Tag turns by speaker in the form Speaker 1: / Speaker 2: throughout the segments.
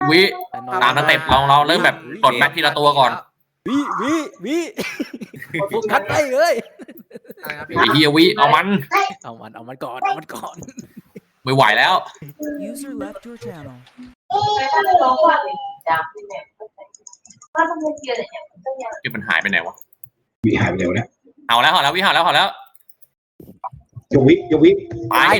Speaker 1: วิตามสเต็ปเราเริ่มแบบกดแบ็คทีละตัวก่อน
Speaker 2: วิโฟกัสไปเลย
Speaker 1: ไอ้เฮียวิเอามัน
Speaker 2: เอามันก่อน
Speaker 1: ไม่ไหวแล้ว
Speaker 3: User left your channel.
Speaker 1: ที่มันหายไปไหนวะ
Speaker 4: วิหายไปเร็วแล้ว
Speaker 1: เอาแล้ววิเอาแล้ว
Speaker 4: ยกวิ
Speaker 1: ตาย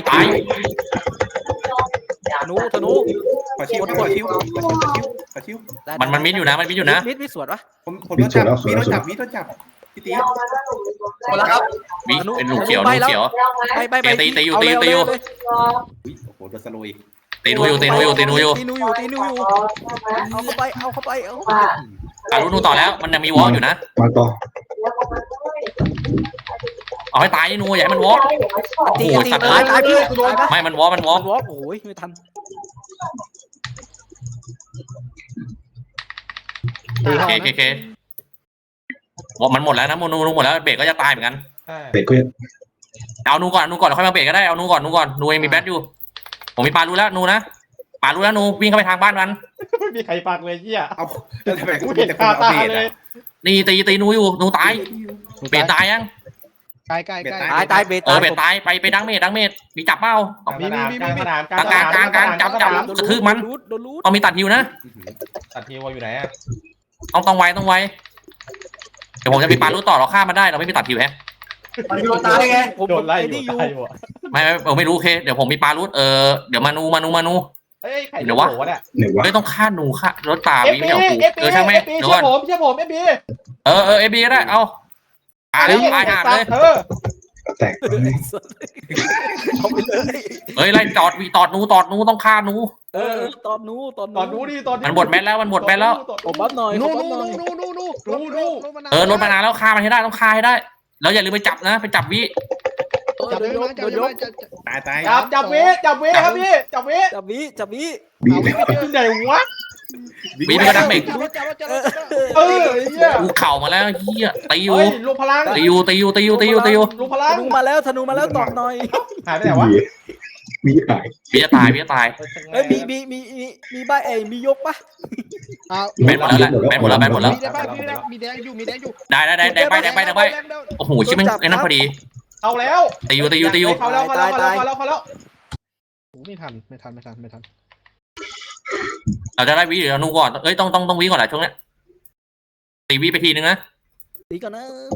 Speaker 2: ธนู
Speaker 5: ขอชิวขอชิว
Speaker 1: มันมิดอยู่นะ
Speaker 2: มิดสวดวะ
Speaker 5: ผมโดนจับวิโดนจับพี่ตี
Speaker 6: หมดแล้วครับ
Speaker 1: วิเป็นลูกเขียว
Speaker 2: ไป
Speaker 1: ตีอยู่
Speaker 5: โอ้โหโดนสโลย
Speaker 1: ตีนูอยู่
Speaker 2: ตีนูอยู่เอาเข้าไป
Speaker 1: ตาลูนูต่อแล้วมันยังมีวอล์กอยู่นะ
Speaker 4: มาต่อ
Speaker 1: เอาให้ตายนูอย่าให้มันวอล์ก
Speaker 2: ตีตายพี่ตายปะ
Speaker 1: ไม่มันวอล์ก
Speaker 2: วอล์กโอ้ยไม่ทัน
Speaker 1: เคมันหมดแล้วนะนูหมดแล้วเบรกก็จะตายเหมือนกัน
Speaker 4: เป็ดก็
Speaker 1: เอานูก่อนแล้วค่อยมาเบรกก็ได้เอานูก่อนนูเองมีแบทอยู่ผมมีปลารู้แล้วนูนะปลารู้แล้วนูวิ่งเข้าไปทางบ้านมัน
Speaker 7: ไม่มีใครปักเลยเหี้ย
Speaker 5: เอาแล้วทำไมกู
Speaker 7: กู
Speaker 5: เห็
Speaker 7: เห็
Speaker 5: น
Speaker 7: น
Speaker 5: แต่คน
Speaker 7: คา
Speaker 5: เอา
Speaker 7: ตา
Speaker 5: เบร
Speaker 7: เลย
Speaker 1: นี่ตีนูอยู่นูตายเบรกตายยัง
Speaker 6: ใกล้
Speaker 2: ตายเบ
Speaker 1: เบรกตายไปดังเมดมีจับเป้า
Speaker 7: มีกลางสนาม
Speaker 1: กลางจับกระทืบมัน
Speaker 2: โดนรูด
Speaker 1: เอามีตัดฮิวนะ
Speaker 7: ตัดทีวอยู่ไหนอ่ะ
Speaker 1: ต้องไวเดี๋ยวผมจะมีปลารู้ต่อเราฆ่ามันได้เราไม่มีตัดฮิวแฮะ
Speaker 6: มันมีโดนตายได้ไง
Speaker 2: ผม
Speaker 7: โดนไล่อยู่
Speaker 2: นี่อยู่
Speaker 7: ตายอยู่
Speaker 1: ไม่รู้โอเคเดี๋ยวผมมีปลารู้เดี๋ยวมานู
Speaker 7: เอ้ยใครเนี่ย
Speaker 4: ไหนวะ
Speaker 1: ไม่ต้องฆ่าหนูฆ่ารถตา
Speaker 7: เอฟ
Speaker 1: วิ
Speaker 7: บี
Speaker 1: ไม่เอากู
Speaker 7: เอฟบี
Speaker 1: ช่างแม่
Speaker 7: เอฟบีเชื่อผมเอฟบี
Speaker 1: เอบีก็ได้เอาตายหาเลย
Speaker 4: แตก
Speaker 2: เอาไปเลย
Speaker 1: เฮ้ยไล่จอดนูต้องฆ่านู
Speaker 2: ตอนนู้
Speaker 7: ตอนนู้ดิตอน
Speaker 1: มันหมดแมทแล้ว
Speaker 2: ผมบัฟหน่อย
Speaker 6: นู่
Speaker 1: รถมานานแล้วฆ่ามันให้ได้ต้องฆ่าให้ได้แล้วอย่าลืมไปจับนะไปจับวิ
Speaker 6: จับเลยมาจับเลย
Speaker 5: ตาย
Speaker 7: จับเวครับพี่จับเว
Speaker 2: จับวิ
Speaker 4: วิ
Speaker 7: ไหนวะ
Speaker 1: วิมันก็ดังเบรก
Speaker 7: เหี้ย
Speaker 1: กูเข่ามาแล้วเฮียตีอยู่
Speaker 7: ลงพลัง
Speaker 1: ตีอยู่
Speaker 7: ลงพลัง
Speaker 2: ธนูมาแล้วตอบหน่อย
Speaker 7: หายไปไหนวะ
Speaker 4: วิหาย
Speaker 1: วิจะตาย
Speaker 2: เอ้ยมีใบมียกปะ
Speaker 1: แบนหมดแล้ว
Speaker 6: มีแดงอยู่
Speaker 1: ได้ไปโอ้โหชิมันไอ้นั่นพอดี
Speaker 7: เอาแล้ว
Speaker 1: ตีอยู่
Speaker 7: เขาแล้ว
Speaker 6: ไม่ทัน
Speaker 1: เราจะได้วิหรือเรานูก่อนเอ้ยต้องวิก่อนแหละช่วงนี้ตีวิไปทีนึงนะ
Speaker 2: ตีก่อนนะ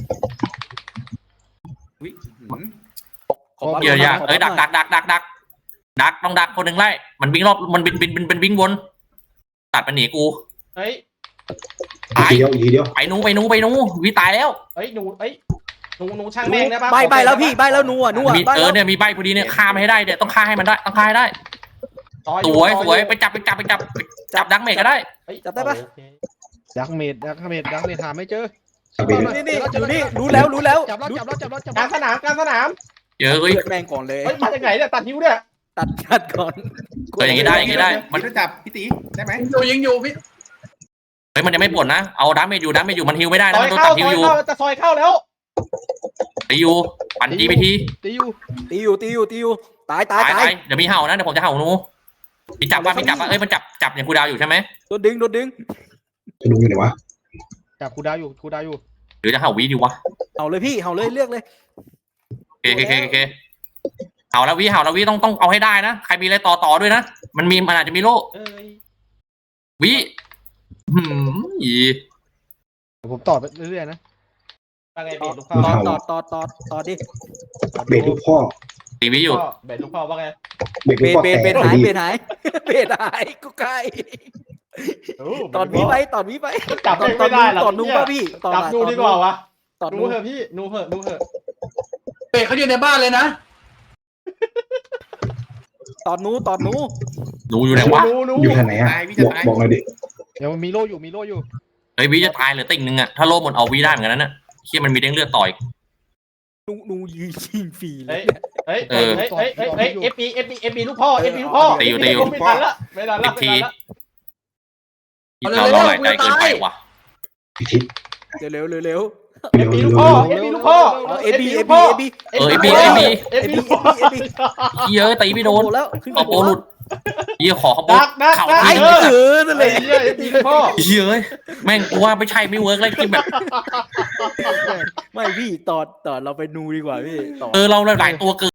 Speaker 1: เยอะเอ้ยดักต้องดักคนหนึ่งไล่มันวิ่งรอบมันบินวิ่งวนตัดมันหนีกู
Speaker 7: เฮ้ย
Speaker 1: ตาย
Speaker 4: อีกทีเดียว
Speaker 1: ไปนูวิตายแล้ว
Speaker 7: เฮ้ยหนูช่างแม่งได้ป่ะ
Speaker 2: ใบแล้วพี่ใบแล้วนัว
Speaker 1: มีเนี่ยมีใบพอดีเนี่ยฆ่าไม่ให้ได้เนี่ยต้องฆ่าให้มันได้ต้องฆ่าให้ได้สวยไปจับดังเมกก็ได้
Speaker 2: จับได้ปะ
Speaker 6: ดักเมดหาไม่เจอ
Speaker 2: นี่รู้แล้ว
Speaker 6: จับแล้ว
Speaker 7: กลางสนาม
Speaker 1: เยอะ
Speaker 2: เลือดแมงก่อนเลย
Speaker 7: เฮ้ยมาจากไหนเนี่ยตัดนิ้วเนี่ย
Speaker 2: ตัดก่อน
Speaker 1: อย่างนี้ได้
Speaker 5: มันจะจับพี่ตีได้ไหม
Speaker 6: ยิงอยู่พี่
Speaker 1: เฮ้ยมันยังไม่ปวดนะเอาดังเมกอยู่มันฮิวไม่ได้นะมันโดนตัดฮิวอยู่
Speaker 7: จะซอยเข้าแล้ว
Speaker 1: ตีอยู่ปั่น GPT
Speaker 6: ตีอยู่
Speaker 2: ตาย
Speaker 1: เดี๋ยวมีเห่านะเดี๋ยวผมจะเห่านูมีจับเอ้ยมันจับอย่างกูดาวอยู่ใช่ไหม
Speaker 2: โดนดึง
Speaker 4: จะดูอยู่ไหนวะ
Speaker 6: จับคูดาวอยู่
Speaker 1: หรือจะเห่าวิดีวะ
Speaker 2: เอาเลยพี่เห่าเลยเลือกเลย
Speaker 1: โอเคเห่าแล้ววิต้องเอาให้ได้นะใครมีอะไรต่อด้วยนะมันอาจจะมีโล่วิ
Speaker 6: ผมต่อไปเรื่อยๆนะ
Speaker 7: อะไรเบรลูกพ่อ
Speaker 2: ต่อดิ
Speaker 4: เบรดลูกพ่อ
Speaker 1: ตีวิอยู่
Speaker 7: เบรลูกพ่อว่าไง
Speaker 4: เบรดลูกพ่อแตก
Speaker 2: เบนหายกูใกล้ตอนวิไป
Speaker 7: จับไม่ได้หรอก
Speaker 2: ตอนนู้ป่ะพี่
Speaker 7: จับดูดีกว่าวะ
Speaker 2: ตอน
Speaker 7: นู
Speaker 2: นู้
Speaker 7: เหอะพี่นูเหอะ
Speaker 6: เบรเขาอยู่ในบ้านเลยนะ
Speaker 2: ตอนนู้
Speaker 1: ดูอยู่ไหนวะ
Speaker 4: อยู่ทางไหนอ่ะบอกหน่อยดิ
Speaker 6: เดี๋ยวมีโล่อยู่
Speaker 1: เฮ้ยวิจะตายเหลือติ่งนึงอะถ้าโล่หมดเอาวิได้เหมือนกันนะเชี่ยมันมีเด้งเลือดต่อย
Speaker 2: นูยิงฟรีเลย
Speaker 7: เฮ้ยเอฟบีลูกพ่อไม่ทันละ
Speaker 1: ทีเราหลายใจเกินไปว่ะ
Speaker 4: พิทิศ
Speaker 2: เร็ว
Speaker 7: เอฟบีลูกพ่อ
Speaker 2: เอบี
Speaker 1: เยอะตีไม่โดน
Speaker 2: แล้วขึ้น
Speaker 1: เอาโปรหลุดเหี้ยขอเขาบ
Speaker 7: ดั
Speaker 1: อก
Speaker 7: กดัก
Speaker 1: เข่า
Speaker 7: ดัก
Speaker 1: ที
Speaker 2: นั่น
Speaker 7: ไอ้
Speaker 2: เลย
Speaker 7: เหี้ย FP ลูกพ่อ
Speaker 1: เหี้ยเอ้ยแม่งกูว่าไม่ใช่ไม่เวิร์กเลยที่แบบ
Speaker 2: ไม่พี่ตอดเราไปนูดีกว่าพี่ต่อ
Speaker 1: เราหลายตัวเกิน